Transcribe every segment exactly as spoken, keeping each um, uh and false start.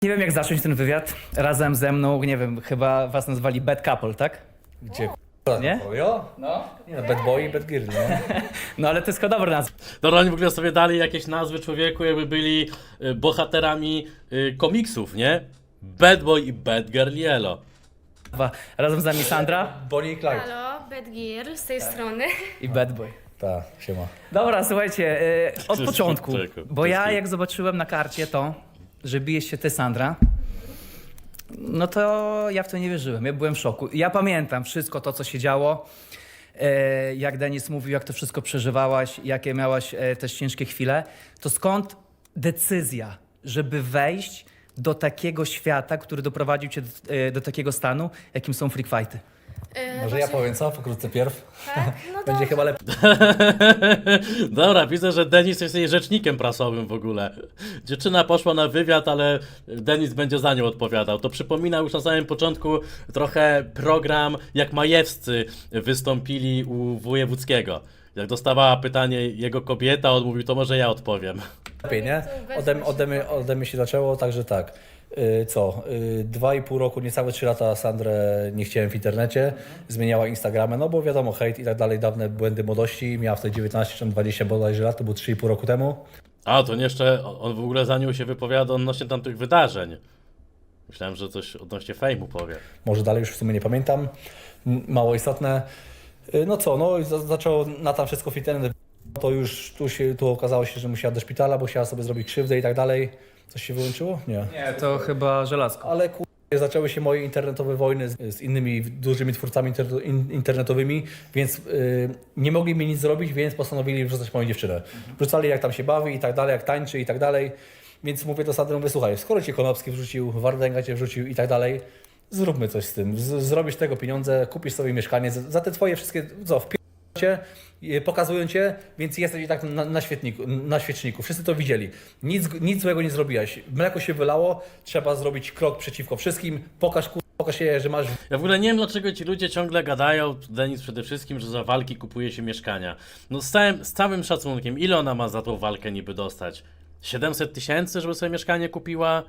Nie wiem, jak zacząć ten wywiad. Razem ze mną, nie wiem, chyba was nazwali bad couple, tak? Gdzie Nie? Jo? No. Nie no, bad boy i bad girl, nie? No ale to jest chyba dobra nazwa. Dobra, oni w ogóle sobie dali jakieś nazwy człowieku, jakby byli y, bohaterami y, komiksów, nie? Bad Boy i Bad Girl Yellow. Razem z nami Sandra Bonnie i Clyde. Halo, Bad Gear z tej strony. i bad boy. Tak, siema. Dobra, słuchajcie, y, od Wszystko- początku, czego? bo ja Wszystko. jak zobaczyłem na karcie to, że bijesz się ty, Sandra, no to ja w to nie wierzyłem, ja byłem w szoku. Ja pamiętam wszystko to, co się działo, e, jak Denis mówił, jak to wszystko przeżywałaś, jakie miałaś e, też ciężkie chwile, to skąd decyzja, żeby wejść do takiego świata, który doprowadził cię do, e, do takiego stanu, jakim są freak fighty? Yy, Może ja powiem co? Pokrótce pierw. Tak? No Będzie to chyba lepiej. Dobra, widzę, że Denis jest jej rzecznikiem prasowym w ogóle. Dziewczyna poszła na wywiad, ale Denis będzie za nią odpowiadał. To przypomina już na samym początku trochę program, jak Majewscy wystąpili u Wojewódzkiego. Jak dostawała pytanie jego kobieta, on mówił, to może ja odpowiem. lepiej, nie? Ode, ode, mnie, ode mnie się zaczęło, także tak. Yy, co? Yy, dwa i pół roku, niecałe trzy lata Sandrę nie chciałem w internecie. Zmieniała Instagramę, no bo wiadomo, hejt i tak dalej, dawne błędy młodości. Miała wtedy dziewiętnaście czy dwadzieścia bodajże lat, to było trzy i pół roku temu. A, to nie jeszcze, on w ogóle za nią się wypowiada odnośnie tamtych wydarzeń. Myślałem, że coś odnośnie fejmu powie. Może dalej już w sumie nie pamiętam. M- Mało istotne. Yy, no co, no i za, zaczęło na tam wszystko w internet. To już tu, się, tu okazało się, że musiała do szpitala, bo chciała sobie zrobić krzywdę i tak dalej. Coś się wyłączyło? Nie. Nie, to chyba żelazko. Ale ku... zaczęły się moje internetowe wojny z, z innymi dużymi twórcami inter, in, internetowymi, więc yy, nie mogli mi nic zrobić, więc postanowili wrzucać moją dziewczynę. Wrzucali jak tam się bawi i tak dalej, jak tańczy i tak dalej. Więc mówię do Sandry, mówię, słuchaj, skoro cię Konopski wrzucił, Wardęga cię wrzucił i tak dalej, zróbmy coś z tym. Z, zrobisz tego pieniądze, kupisz sobie mieszkanie, za, za te twoje wszystkie, co, w cię, pokazują cię, więc jesteś i tak na, na, świetniku, na świeczniku. Wszyscy to widzieli. Nic, nic złego nie zrobiłaś. Mleko się wylało, trzeba zrobić krok przeciwko wszystkim. Pokaż, kur... pokaż się, że masz... Ja w ogóle nie wiem, dlaczego ci ludzie ciągle gadają, Denis przede wszystkim, że za walki kupuje się mieszkania. No z całym, z całym szacunkiem, ile ona ma za tą walkę niby dostać? siedemset tysięcy, żeby sobie mieszkanie kupiła?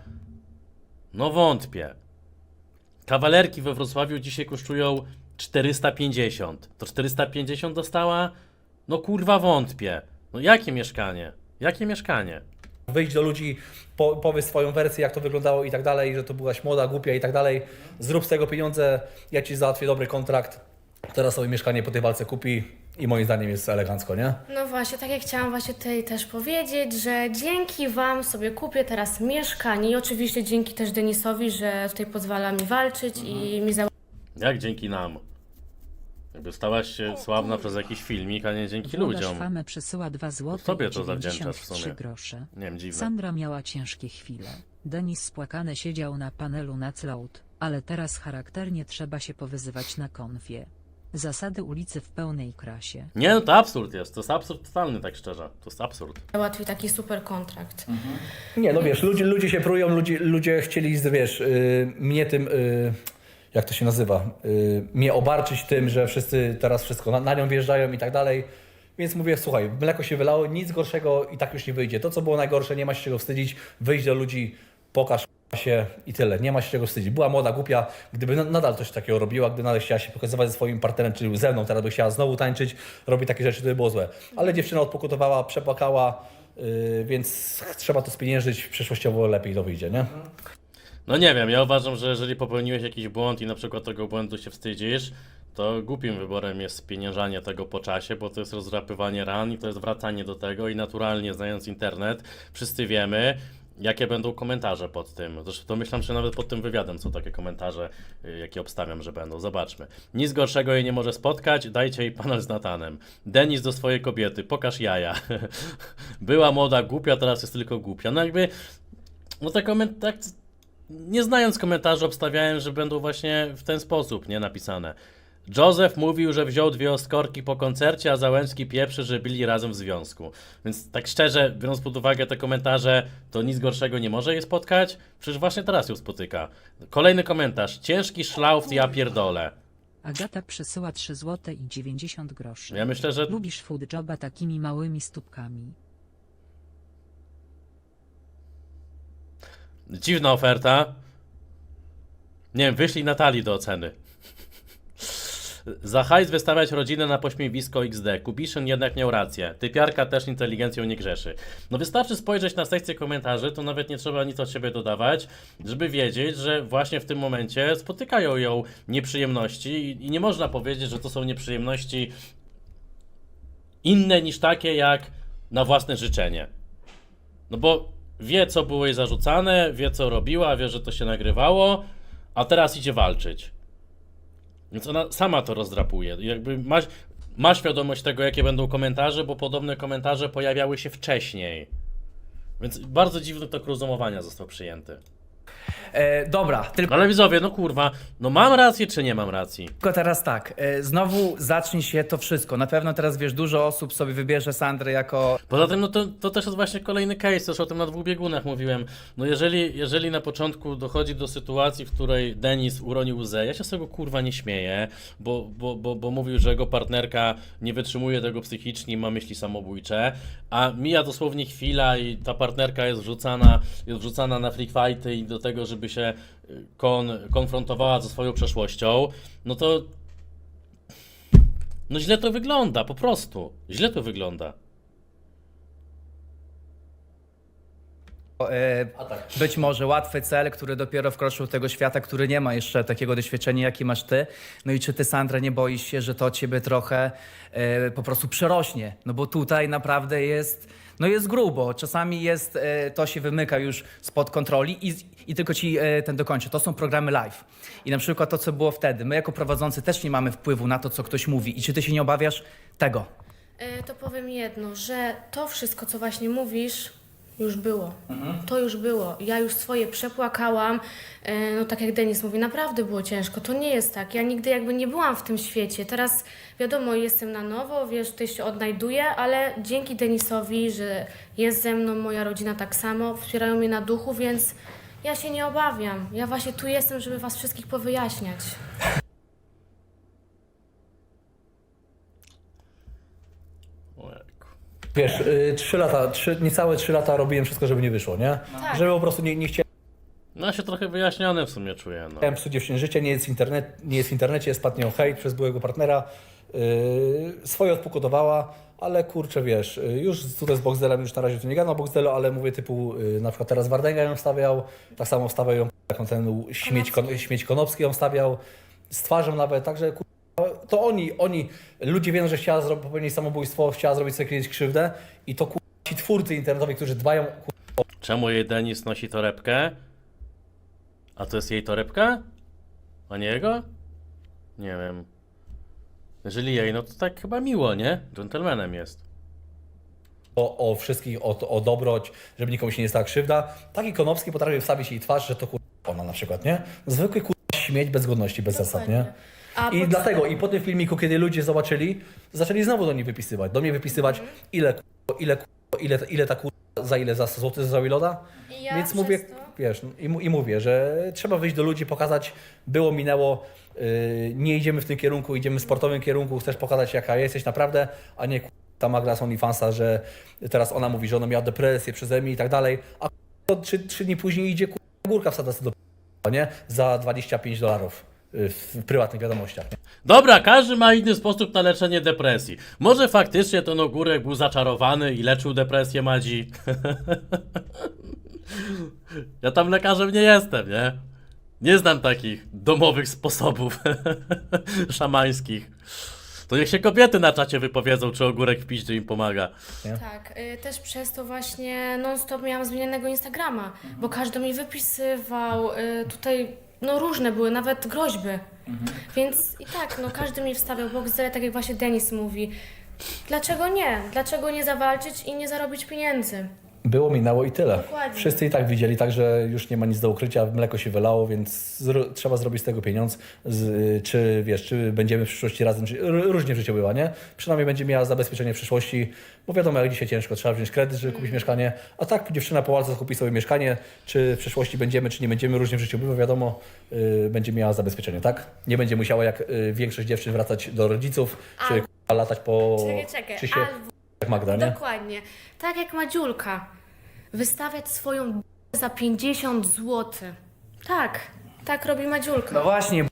No wątpię. Kawalerki we Wrocławiu dzisiaj kosztują czterysta pięćdziesiąt. To czterysta pięćdziesiąt dostała? No kurwa wątpię. No jakie mieszkanie? Jakie mieszkanie? Wyjść do ludzi, po, powiedz swoją wersję, jak to wyglądało i tak dalej, że to byłaś młoda, głupia i tak dalej. Zrób z tego pieniądze, ja ci załatwię dobry kontrakt. Teraz sobie mieszkanie po tej walce kupi i moim zdaniem jest elegancko, nie? No właśnie, tak jak chciałam właśnie tutaj też powiedzieć, że dzięki Wam sobie kupię teraz mieszkanie i oczywiście dzięki też Denisowi, że tutaj pozwala mi walczyć i mi za... Jak dzięki nam? Jakby stałaś się sławna przez jakiś filmik, a nie dzięki Włodarz ludziom. Famę przesyła dwa złote Tobie i to zawdzięczasz w dziewięćdziesiąt trzy sumie. grosze. Nie wiem, dziwne. Sandra miała ciężkie chwile. Denis spłakany siedział na panelu na Cloud, ale teraz charakternie trzeba się powyzywać na konfie. Zasady ulicy w pełnej krasie. Nie, no to absurd jest. To jest absurd totalny, tak szczerze. To jest absurd. załatwi taki super kontrakt. Nie, no wiesz, ludzie, ludzie się prują, ludzie, ludzie chcieli, wiesz, yy, mnie tym, yy, jak to się nazywa, yy, mnie obarczyć tym, że wszyscy teraz wszystko na, na nią wjeżdżają i tak dalej. Więc mówię, słuchaj, mleko się wylało, nic gorszego i tak już nie wyjdzie. To, co było najgorsze, nie ma się czego wstydzić, wyjść do ludzi, pokaż się i tyle. Nie ma się czego wstydzić. Była młoda, głupia, gdyby na, nadal coś takiego robiła, gdy nadal chciała się pokazywać ze swoim partnerem, czyli ze mną, teraz by chciała znowu tańczyć, robi takie rzeczy, to by było złe. Ale dziewczyna odpokutowała, przepłakała, yy, więc trzeba to spieniężyć, przyszłościowo lepiej to wyjdzie, nie? No nie wiem, ja uważam, że jeżeli popełniłeś jakiś błąd i na przykład tego błędu się wstydzisz, to głupim wyborem jest spieniężanie tego po czasie, bo to jest rozdrapywanie ran i to jest wracanie do tego i naturalnie, znając internet, wszyscy wiemy, jakie będą komentarze pod tym. Zresztą to myślę, że nawet pod tym wywiadem są takie komentarze, y, jakie obstawiam, że będą. Zobaczmy. Nic gorszego jej nie może spotkać, dajcie jej panel z Natanem. Denis do swojej kobiety, pokaż jaja. Była młoda, głupia, teraz jest tylko głupia. No jakby, no te komentarze, nie znając komentarzy, obstawiałem, że będą właśnie w ten sposób, nie, napisane. Józef mówił, że wziął dwie oskorki po koncercie, a Załęcki pieprzy, że byli razem w związku. Więc tak szczerze, biorąc pod uwagę te komentarze, to nic gorszego nie może jej spotkać. Przecież właśnie teraz ją spotyka. Kolejny komentarz. Ciężki szlauft, ja pierdolę. Agata przesyła trzy złote i dziewięćdziesiąt groszy. Ja myślę, że Lubisz food joba takimi małymi stópkami. Dziwna oferta. Nie wiem, wyślij Natalii do oceny. Za hajs wystawiać rodzinę na pośmiewisko X D. Kubiszyn jednak miał rację. Typiarka też inteligencją nie grzeszy. No wystarczy spojrzeć na sekcję komentarzy, to nawet nie trzeba nic od siebie dodawać, żeby wiedzieć, że właśnie w tym momencie spotykają ją nieprzyjemności i, i nie można powiedzieć, że to są nieprzyjemności inne niż takie jak na własne życzenie. No bo wie, co było jej zarzucane, wie, co robiła, wie, że to się nagrywało, a teraz idzie walczyć. Więc ona sama to rozdrapuje. Jakby ma, ma świadomość tego, jakie będą komentarze, bo podobne komentarze pojawiały się wcześniej. Więc bardzo dziwny tok rozumowania został przyjęty. E, dobra, tylko Ale widzowie, no kurwa, no mam rację czy nie mam racji? teraz tak, e, znowu zacznie się to wszystko. Na pewno teraz, wiesz, dużo osób sobie wybierze Sandrę jako Poza tym, no to, to też jest właśnie kolejny case, też o tym na dwóch biegunach mówiłem. No jeżeli, jeżeli na początku dochodzi do sytuacji, w której Denis uronił łzę, ja się z tego kurwa nie śmieję, bo, bo, bo, bo mówił, że jego partnerka nie wytrzymuje tego psychicznie i ma myśli samobójcze, a mija dosłownie chwila i ta partnerka jest wrzucana, jest wrzucana na freak fighty i do tego, żeby się kon, konfrontowała ze swoją przeszłością, no to no źle to wygląda, po prostu. Źle to wygląda. e, być może łatwy cel, który dopiero wkroczył do tego świata, który nie ma jeszcze takiego doświadczenia, jaki masz ty. No i czy ty, Sandra, nie boisz się, że to ciebie trochę e, po prostu przerośnie? No bo tutaj naprawdę jest, no jest grubo. Czasami jest, e, to się wymyka już spod kontroli i, i tylko ci e, ten dokończę. To są programy live. I na przykład to, co było wtedy. My jako prowadzący też nie mamy wpływu na to, co ktoś mówi. I czy ty się nie obawiasz tego? E, To powiem jedno, że to wszystko, co właśnie mówisz, już było. To już było. Ja już swoje przepłakałam. E, No tak jak Denis mówi, naprawdę było ciężko. To nie jest tak. Ja nigdy jakby nie byłam w tym świecie. Teraz wiadomo, jestem na nowo, wiesz, tutaj się odnajduję, ale dzięki Denisowi, że jest ze mną, moja rodzina tak samo, wspierają mnie na duchu, więc ja się nie obawiam. Ja właśnie tu jestem, żeby was wszystkich powyjaśniać. Ojejku. Wiesz, y, trzy lata, trzy, niecałe trzy lata robiłem wszystko, żeby nie wyszło, nie? Tak. Żeby po prostu nie, nie chciałem No ja się trochę wyjaśniony w sumie czuję, no. Chciałem psuć dziewczynie życie, nie jest, internet, nie jest w internecie, jest padnie o hejt przez byłego partnera. Yy, swoje odpukotowała, ale kurczę, wiesz, yy, już tutaj z Boxdelem, już na razie tu nie gadam o Boxdelu, ale mówię typu, yy, na przykład teraz Wardęga ją stawiał, tak samo wstawiał ją, taką ten śmieć, kon, śmieć Konopski ją stawiał, z twarzą nawet, także kurwa, to oni, oni, ludzie wiedzą, że chciała zrobić, popełnić samobójstwo, chciała zrobić sobie kiedyś krzywdę i to kurwa, ci twórcy internetowi, którzy dbają, kurwa, Czemu jej Denis nosi torebkę? A to jest jej torebka? A nie jego? Nie wiem. Jeżeli jej, no to tak chyba miło, nie? Gentlemanem jest. o, o wszystkich, o, o dobroć, żeby nikomu się nie stała krzywda. Taki Konopski potrafi wstawić jej twarz, że to kurwa ona na przykład, nie? Zwykły kurwa śmieć bez godności, bez zasad, nie? A I pod- dlatego, i po tym filmiku, kiedy ludzie zobaczyli, zaczęli znowu do niej wypisywać, do mnie wypisywać, ile kurwa, ile kurwa, ile, ile ta kurwa, za ile za złoty za Wiloda? I ja Więc przez mówię, to- wiesz, i, mu- i mówię, że trzeba wyjść do ludzi, pokazać, było, minęło, yy, nie idziemy w tym kierunku, idziemy w sportowym kierunku, chcesz pokazać, jaka jesteś naprawdę, a nie kurwa, ta Magda z OnlyFansa, że teraz ona mówi, że ona miała depresję przeze mnie i tak dalej, a kurwa, trzy, trzy dni później idzie kurwa, górka wsadza sobie do p***a, nie? Za dwadzieścia pięć dolarów yy, w prywatnych wiadomościach. Nie? Dobra, każdy ma inny sposób na leczenie depresji. Może faktycznie ten ogórek był zaczarowany i leczył depresję Madzi. Ja tam lekarzem nie jestem, nie? Nie znam takich domowych sposobów szamańskich. To niech się kobiety na czacie wypowiedzą, czy ogórek w piździe im pomaga. Tak, y, też przez to właśnie non-stop miałam zmienionego Instagrama, bo każdy mi wypisywał, y, tutaj no różne były, nawet groźby. Więc i tak, no każdy mi wstawiał Boxdel, tak jak właśnie Denis mówi. Dlaczego nie? Dlaczego nie zawalczyć i nie zarobić pieniędzy? Było, minęło i tyle. Dokładnie. Wszyscy i tak widzieli, także już nie ma nic do ukrycia, mleko się wylało, więc zro- trzeba zrobić z tego pieniądz. Z, czy wiesz, czy będziemy w przyszłości razem, czy, r- różnie w życiu bywa, nie? Przynajmniej będzie miała zabezpieczenie w przyszłości, bo wiadomo, jak dzisiaj ciężko, trzeba wziąć kredyt, żeby kupić mieszkanie, a tak dziewczyna po walce kupi sobie mieszkanie, czy w przyszłości będziemy, czy nie będziemy, różnie w życiu bywa, wiadomo, y, będzie miała zabezpieczenie, tak? Nie będzie musiała jak y, większość dziewczyn wracać do rodziców, czy k***a, latać po... Czekaj, czekaj, Krzysie, albo jak Magda, nie? dokładnie, tak jak Madziulka, wystawiać swoją za pięćdziesiąt złotych. Tak, tak robi Madziulka. No właśnie,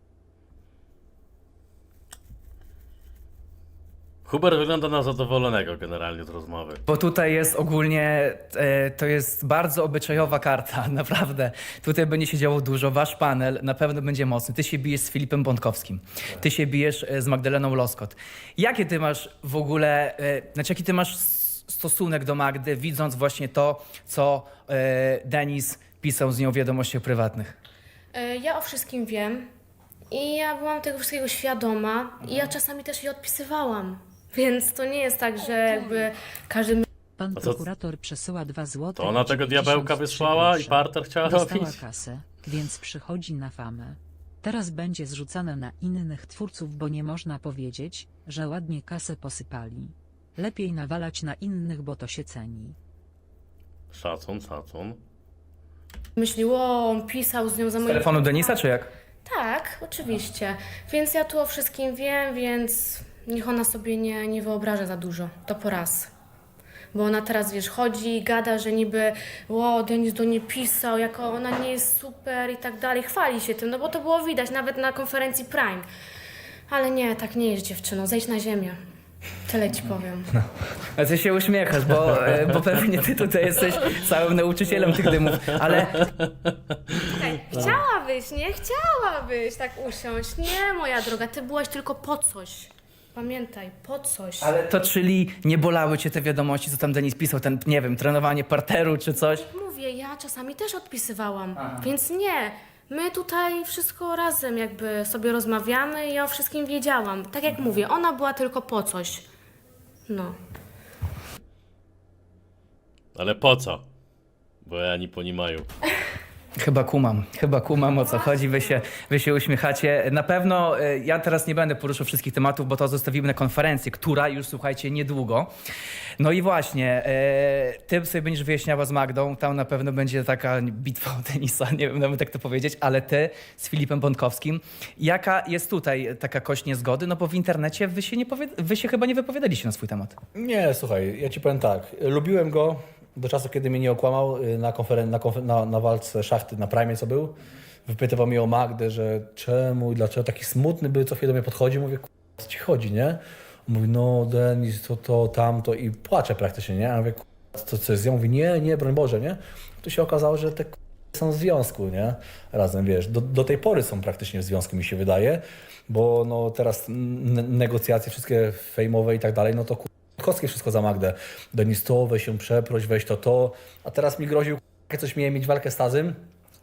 Hubert wygląda na zadowolonego generalnie z rozmowy. bo tutaj jest ogólnie, e, to jest bardzo obyczajowa karta, naprawdę. Tutaj będzie się działo dużo, wasz panel na pewno będzie mocny. Ty się bijesz z Filipem Bątkowskim, ty się bijesz e, z Magdaleną Loskot. Jakie ty masz w ogóle, e, znaczy jaki ty masz s- stosunek do Magdy, widząc właśnie to, co e, Denis pisał z nią w wiadomościach prywatnych? E, Ja o wszystkim wiem i ja byłam tego wszystkiego świadoma i ja czasami też jej odpisywałam. Więc to nie jest tak, że jakby każdy Pan A co- prokurator przesyła dwa złote. To ona i tego dziewięćdziesiąt diabełka trzy wysłała i grosze. parter chciała Dostała robić? kasę, więc przychodzi na famę. Teraz będzie zrzucane na innych twórców, bo nie można powiedzieć, że ładnie kasę posypali. Lepiej nawalać na innych, bo to się ceni. Szacun, szacun. myślił, o, on pisał z nią za Z moim... telefonu Denisa, czy jak? Tak, oczywiście. Więc ja tu o wszystkim wiem, więc niech ona sobie nie, nie wyobraża za dużo. To po raz. Bo ona teraz, wiesz, chodzi i gada, że niby o, Denis do niej pisał, jako ona nie jest super i tak dalej. Chwali się tym, no bo to było widać nawet na konferencji Prime. Ale nie, tak nie jest, dziewczyno. Zejdź na ziemię. Tyle ci powiem. A ty się uśmiechasz, bo, e, bo pewnie ty tutaj jesteś całym nauczycielem tych dymów, ale Chciałabyś, nie? Chciałabyś tak usiąść. Nie, moja droga, ty byłaś tylko po coś. Pamiętaj, po coś. Ale to czyli nie bolały cię te wiadomości, co tam Denis pisał, ten, nie wiem, trenowanie parteru czy coś? Mówię, ja czasami też odpisywałam, więc nie. My tutaj wszystko razem jakby sobie rozmawiamy i ja o wszystkim wiedziałam. Tak jak mówię, ona była tylko po coś. No. Ale po co? Bo ja nie ponimaju. Chyba kumam, chyba kumam, o co chodzi, wy się, wy się uśmiechacie. Na pewno e, ja teraz nie będę poruszał wszystkich tematów, bo to zostawimy na konferencję, która już, słuchajcie, niedługo. No i właśnie, e, ty sobie będziesz wyjaśniała z Magdą, tam na pewno będzie taka bitwa o Denisa, nie wiem nawet jak to powiedzieć, ale ty z Filipem Bątkowskim. Jaka jest tutaj taka kość niezgody? No bo w internecie wy się, nie powie, wy się chyba nie wypowiadaliście na swój temat. Nie, słuchaj, ja ci powiem tak. Lubiłem go do czasu, kiedy mnie nie okłamał y, na, konferen- na, konfer- na, na walce szachty na Prime, co był. Wypytywał mnie o Magdę, że czemu i dlaczego taki smutny był, co chwilę do mnie podchodzi. Mówię, o co ci chodzi, nie? On mówi, no Denis, to, to, tamto i płacze praktycznie, nie? A ja mówię, to co jest? Ja mówię, nie, nie, broń Boże, nie? Tu się okazało, że te są w związku, nie? Razem, wiesz, do, do tej pory są praktycznie w związku, mi się wydaje, bo no teraz n- negocjacje wszystkie fejmowe i tak dalej, no to Kowski wszystko za Magdę. Denis to, weź się przeproś, weź to, to. A teraz mi groził, jak coś miałem mieć walkę z Tazym,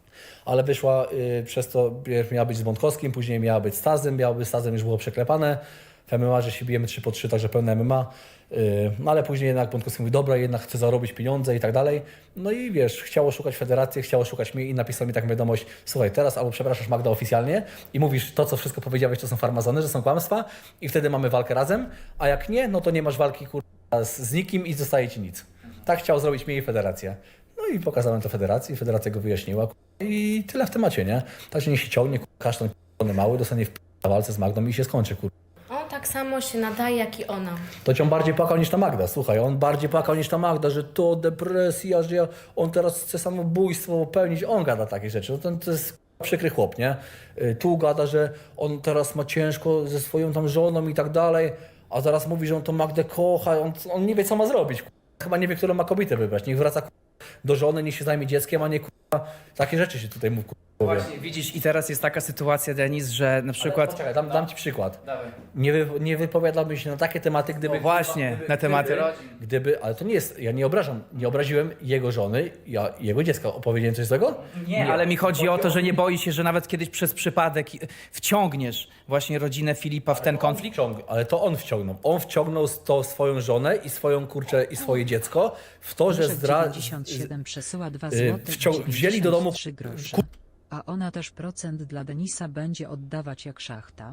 ale wyszła y, przez to, pierw miała być z Bątkowskim, później miała być z Tazem, miała być z Tazem, już było przeklepane. W M M A, że się bijemy trzy po trzy, także pełne M M A. Y, no ale później jednak Bątkowski mówi, dobra, jednak chce zarobić pieniądze i tak dalej. No i wiesz, chciało szukać federacji, chciało szukać mnie i napisał mi taką wiadomość, słuchaj, teraz albo przepraszasz Magda oficjalnie i mówisz to, co wszystko powiedziałeś, to są farmazony, że są kłamstwa i wtedy mamy walkę razem, a jak nie, no to nie masz walki kurwa z, z nikim i zostaje ci nic. Tak chciał zrobić mnie i federacja. No i pokazałem to federacji, federacja go wyjaśniła kurwa, i tyle w temacie, nie? Także niech się ciągnie, kurwa, kasztan kurwa, mały, dostanie w na walce z Magdą i się skończy, kurwa. On tak samo się nadaje, jak i ona. To cię on bardziej płakał niż ta Magda. Słuchaj, on bardziej płakał niż ta Magda, że to depresja, że ja, on teraz chce samobójstwo popełnić. On gada takie rzeczy. No to, to jest przykry chłop, nie? Y, Tu gada, że on teraz ma ciężko ze swoją tam żoną i tak dalej, a zaraz mówi, że on tą Magdę kocha. On, on nie wie, co ma zrobić. Chyba nie wie, którą ma kobietę wybrać. Niech wraca do żony, niech się zajmie dzieckiem, a nie takie rzeczy się tutaj mówi. Właśnie, widzisz, i teraz jest taka sytuacja, Denis, że na przykład... Poczekaj, dam, dam ci przykład. Dawaj. Nie, wy, nie wypowiadałbym się na takie tematy, gdyby... No właśnie, gdyby, na tematy gdyby, rodzin. Gdyby, ale to nie jest, ja nie obrażam, nie obraziłem jego żony, ja jego dziecka. Opowiedziałem coś złego? Nie, ale mi chodzi o to, że nie boi się, że nawet kiedyś przez przypadek wciągniesz właśnie rodzinę Filipa w ten konflikt? Wciąg, ale to on wciągnął. On wciągnął to swoją żonę i swoją kurczę i swoje dziecko w to, że zdra... dziewięćdziesiąt siedem przesyła dwa y, złote wciąg- wzięli do domu- trzy grosze. A ona też procent dla Denisa będzie oddawać jak szachta.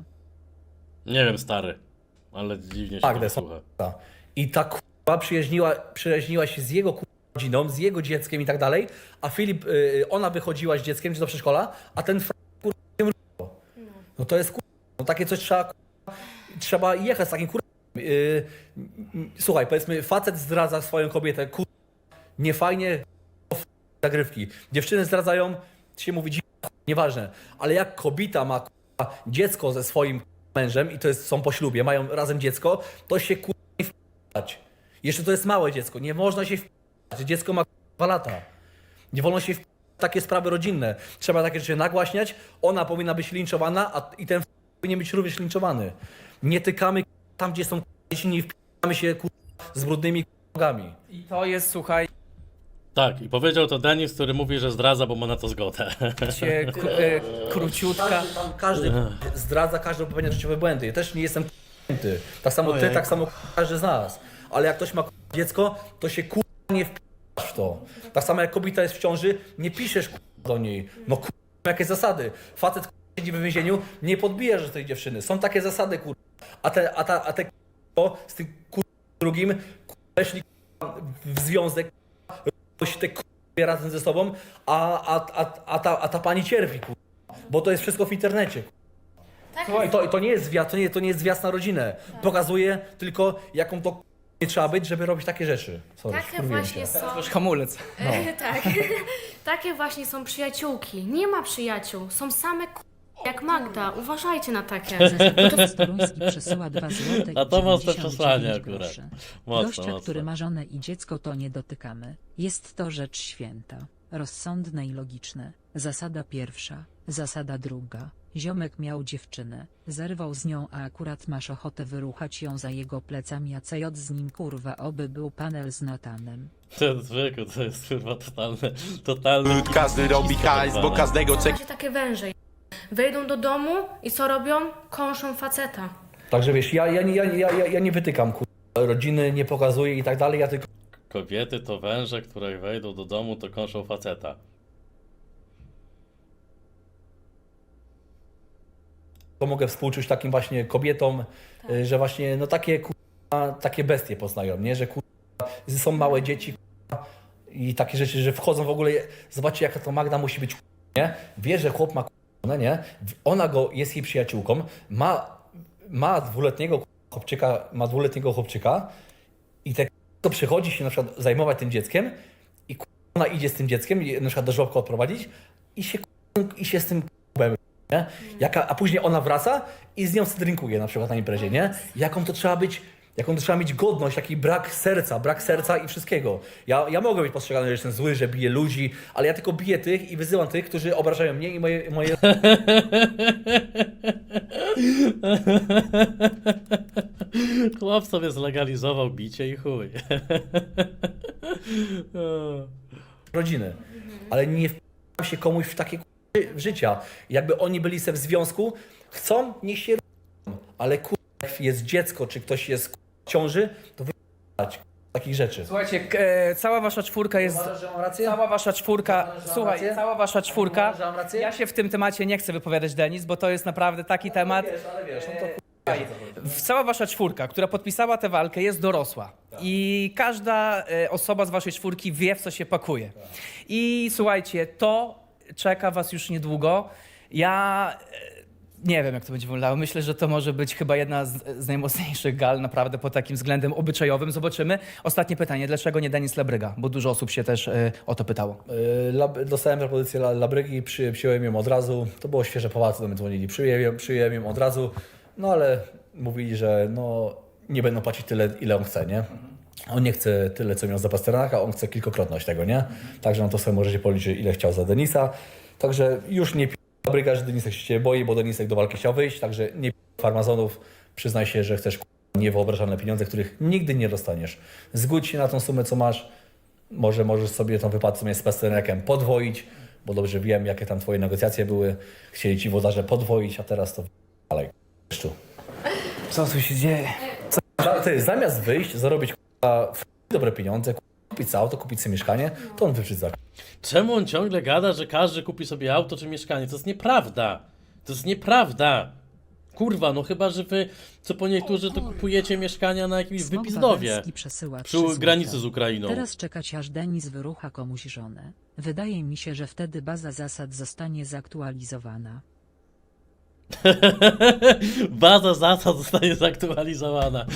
Nie wiem, stary, ale dziwnie się Magdę, tego słucha. I ta kurwa przyjaźniła, przyjaźniła się z jego kurwa rodziną, z jego dzieckiem i tak dalej, a Filip, y, ona wychodziła z dzieckiem czy do przedszkola, a ten fra- kurwa się mruło. No to jest kurwa, no takie coś trzeba kurwa, trzeba jechać z takim kurwa. Y, y, słuchaj, powiedzmy, facet zdradza swoją kobietę, kurwa, niefajnie, zagrywki. Dziewczyny zdradzają, się mówi dzi- nieważne, ale jak kobieta ma kurwa, dziecko ze swoim mężem i to jest, są po ślubie, mają razem dziecko, to się kurwa nie wpierać. Jeszcze to jest małe dziecko, nie można się wpierać. Dziecko ma dwa lata. Nie wolno się wpierać w takie sprawy rodzinne. Trzeba takie rzeczy nagłaśniać, ona powinna być linczowana, a i ten powinien być również linczowany. Nie tykamy tam, gdzie są dzieci, nie wpieramy się kurwa, z brudnymi nogami. I to jest, słuchaj, Tak, i powiedział to Denis, który mówi, że zdradza, bo ma na to zgodę. cię, k- e, króciutka. Każdy, tam, każdy zdradza, każdy popełnia życiowe błędy. Ja też nie jestem k***ty. Tak samo ty, Ojej. tak samo każdy z nas. Ale jak ktoś ma k***a dziecko, to się k***a nie wpisz w to. Tak samo jak kobieta jest w ciąży, nie piszesz k***a do niej. No k***a, jakie zasady. Facet k***a siedzi w więzieniu, nie podbijasz do tej dziewczyny. Są takie zasady k***a. A te, a ta, a te k***a z tym k***a drugim k***a weszli k***a w związek, k***a się te k***a razem ze sobą, a, a, a, a, ta, a ta pani cierpi k***a. Bo to jest wszystko w internecie. Tak I to, i to nie jest zwiast, to nie, to nie jest zwiast na rodzinę. Pokazuje tylko, jaką to nie trzeba być, żeby robić takie rzeczy. Sorry, Takie wkurwiłem właśnie się. są. Już hamulec. tak. Takie właśnie są przyjaciółki. Nie ma przyjaciół. Są same k... jak Magda. Uważajcie na takie. Zespół Toruński przesyła dwa złote i A to mocne dziewięćdziesiąt przesłanie dziewięć akurat. groszy. Mocno, Gościa, mocno. który ma żonę i dziecko, to nie dotykamy. Jest to rzecz święta, rozsądne i logiczne. Zasada pierwsza, zasada druga. Ziomek miał dziewczynę, zerwał z nią, a akurat masz ochotę wyruchać ją za jego plecami, a C J z nim kurwa, oby był panel z Natanem. To jest zwykły, to jest kurwa totalny, totalny... Każdy robi hajs, bo każdego czeka. Właśnie takie węże. Wejdą do domu i co robią? Kąszą faceta. Także wiesz, ja, ja, nie- ja, ja, ja, ja nie wytykam kur... rodziny, nie pokazuję i tak dalej, ja tylko Kobiety to węże, które wejdą do domu, to kąszą faceta. mogę współczuć takim właśnie kobietom, y, że właśnie no takie kurwa, takie bestie poznają, nie? Że kurwa, są małe dzieci kurwa, i takie rzeczy, że wchodzą w ogóle, zobaczcie jaka to Magda musi być, nie? Wie, że chłop ma kurwa, nie? Ona go jest jej przyjaciółką, ma, ma dwuletniego chłopczyka, ma dwuletniego chłopczyka i te to przychodzi się na przykład zajmować tym dzieckiem i ona idzie z tym dzieckiem, i na przykład do żłobka odprowadzić i się, i się z tym k***em, nie? Jaka, a później ona wraca i z nią drinkuje na przykład na imprezie, nie? Jaką to trzeba być, jaką to trzeba mieć godność, taki brak serca, brak serca i wszystkiego. Ja, ja mogę być postrzegany, że jestem zły, że biję ludzi, ale ja tylko biję tych i wyzywam tych, którzy obrażają mnie i moje... moje... Chłop sobie zlegalizował bicie i chuj. rodziny, ale nie wpijam się komuś w takie k***y życia. Jakby oni byli se w związku, chcą, niech się robią, ale kur... jak jest dziecko, czy ktoś jest kur... w ciąży, to wypijać takich rzeczy. Słuchajcie, k- e, cała wasza czwórka jest... Uważasz, że mam rację? Cała wasza czwórka, Uważasz, że mam słuchaj, rację? cała wasza czwórka, Uważasz, że mam rację? ja się w tym temacie nie chcę wypowiadać, Denis, bo to jest naprawdę taki temat. Wiesz, ale wiesz, no to kur... W- Cała wasza czwórka, która podpisała tę walkę, jest dorosła. I każda e, osoba z waszej czwórki wie, w co się pakuje. I słuchajcie, to czeka was już niedługo. Ja e, nie wiem, jak to będzie wyglądało. Myślę, że to może być chyba jedna z, z najmocniejszych gal naprawdę pod takim względem obyczajowym. Zobaczymy. Ostatnie pytanie. Dlaczego nie Denis Labryga? Bo dużo osób się też e, o to pytało. Yy, lab- Dostałem propozycję La- Labrygi, przy, przyjąłem ją od razu. To było świeże, Polacy do mnie dzwonili. Przyjąłem, ją- przyjąłem ją od razu, no ale mówili, że no, nie będą płacić tyle, ile on chce, nie? On nie chce tyle, co miał za Pasternaka, on chce kilkokrotność tego, nie? Także no to sobie możecie policzyć, ile chciał za Denisa. Także już nie pi- Labryga, że Denisek się ciebie boi, bo Denisek do walki chciał wyjść, także nie pi- farmazonów. Przyznaj się, że chcesz k***a, niewyobrażalne pieniądze, których nigdy nie dostaniesz. Zgódź się na tą sumę, co masz. Może możesz sobie tą wypłatę co miałeś z Pasternakiem podwoić, bo dobrze wiem, jakie tam twoje negocjacje były. Chcieli ci włodarze podwoić, a teraz to dalej. Co tu się dzieje? Ty, zamiast wyjść, zarobić k***a, f- dobre pieniądze, k***a, kupić auto, kupić sobie mieszkanie, to on wyprzedza. Czemu on ciągle gada, że każdy kupi sobie auto czy mieszkanie? To jest nieprawda. To jest nieprawda. Kurwa, no chyba, że wy, co po niektórzy, to kupujecie mieszkania na jakimś Smok wypizdowie. Wawelski przesyła Przy trzy złote. granicy z Ukrainą. Teraz czekać aż Denis wyrucha komuś żonę. Wydaje mi się, że wtedy baza zasad zostanie zaktualizowana. Baza zasad zostanie zaktualizowana.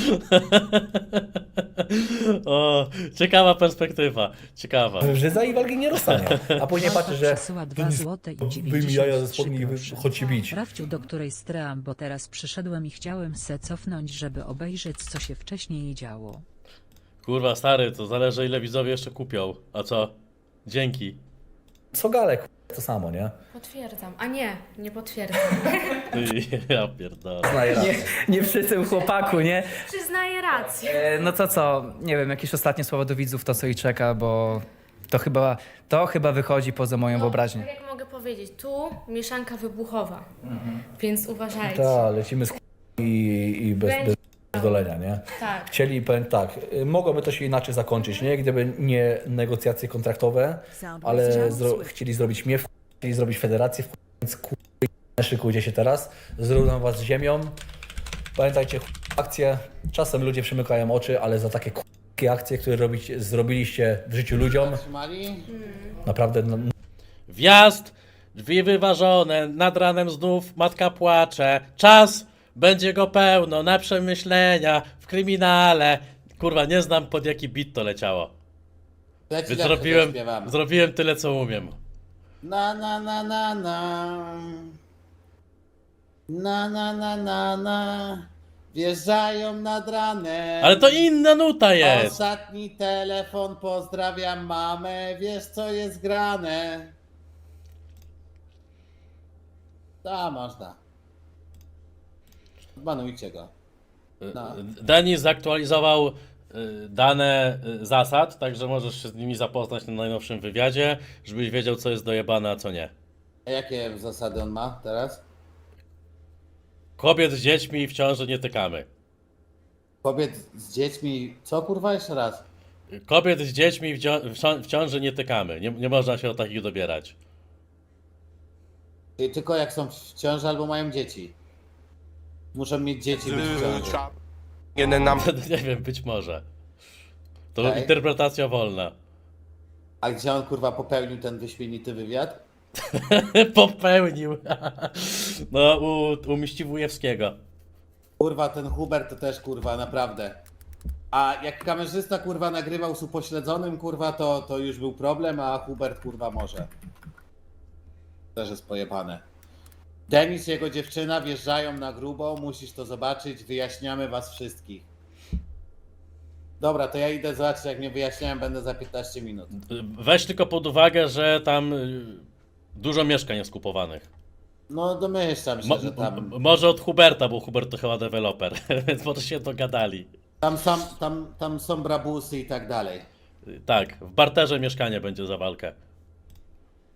O, ciekawa perspektywa. Ciekawa. Że za i walki nie dostanie. A później Małpa patrz, że przesyła dwa złote i wyjmij jaja ze spodni i dziewięćdziesiąt trzy chodź się bić. Rafciu, do której stream, bo teraz przyszedłem i chciałem se cofnąć, żeby obejrzeć, co się wcześniej działo. Kurwa, stary, to zależy ile widzowie jeszcze kupią. A co? Dzięki. Co galek, to samo, nie? Potwierdzam. A nie, nie potwierdzam. Ja pierdolę. Znaję raz. Nie, nie przy tym chłopaku, nie? Przyznaję rację. E, no to co, nie wiem, jakieś ostatnie słowa do widzów, to co ich czeka, bo to chyba, to chyba wychodzi poza moją wyobraźnię. Tak jak mogę powiedzieć, tu mieszanka wybuchowa, więc uważajcie. Tak, lecimy z i, i bez, Będzie- bez dolenia, nie? Tak. Chcieli, powiem tak, y, mogłoby to się inaczej zakończyć, nie? Gdyby nie negocjacje kontraktowe, ale zro chcieli zrobić mnie, w chcieli zrobić federację, w więc kur... szykujcie się teraz, zrównam was z ziemią. Pamiętajcie, akcje, czasem ludzie przymykają oczy, ale za takie k***kie akcje, które robicie, zrobiliście w życiu ludziom, naprawdę no, Wjazd, drzwi wyważone, nad ranem znów matka płacze. Czas, będzie go pełno, na przemyślenia, w kryminale. Kurwa, nie znam pod jaki bit to leciało. Leci Więc lepsze, zrobiłem, zaśpiewamy. zrobiłem tyle co umiem. Na na na na na. Na na na na na. Wjeżdżają nad ranem. Ale to inna nuta jest. Ostatni telefon, pozdrawiam mamę. Wiesz co jest grane. Da, można. Banujcie go. No. Denis zaktualizował y, dane y, zasad, także możesz się z nimi zapoznać na najnowszym wywiadzie, żebyś wiedział co jest dojebane, a co nie. A jakie zasady on ma teraz? Kobiet z dziećmi w ciąży nie tykamy. Kobiet z dziećmi. Co kurwa jeszcze raz? Kobiet z dziećmi w, dzio- w cią- w ciąży nie tykamy. Nie, nie można się o takich dobierać. I tylko jak są w ciąży albo mają dzieci. Muszą mieć dzieci być w ciąży. Jeden nam Nie wiem, być może. To Okej. interpretacja wolna. A gdzie on kurwa popełnił ten wyśmienity wywiad? Popełnił. No, u, u Miściwujewskiego. Kurwa, ten Hubert to też kurwa, naprawdę. A jak kamerzysta kurwa nagrywał z upośledzonym kurwa, to, to już był problem, a Hubert kurwa może. Też jest pojebane. Denis i jego dziewczyna wjeżdżają na grubo, musisz to zobaczyć, wyjaśniamy was wszystkich. Dobra, to ja idę zobaczyć, jak mnie wyjaśniają, będę za piętnaście minut. Weź tylko pod uwagę, że tam y, dużo mieszkań jest kupowanych. No domyślam się, Mo- że tam, m- może od Huberta, bo Hubert to chyba deweloper, więc może się dogadali. tam, sam, tam, tam są brabusy i tak dalej. Tak, w barterze mieszkanie będzie za walkę.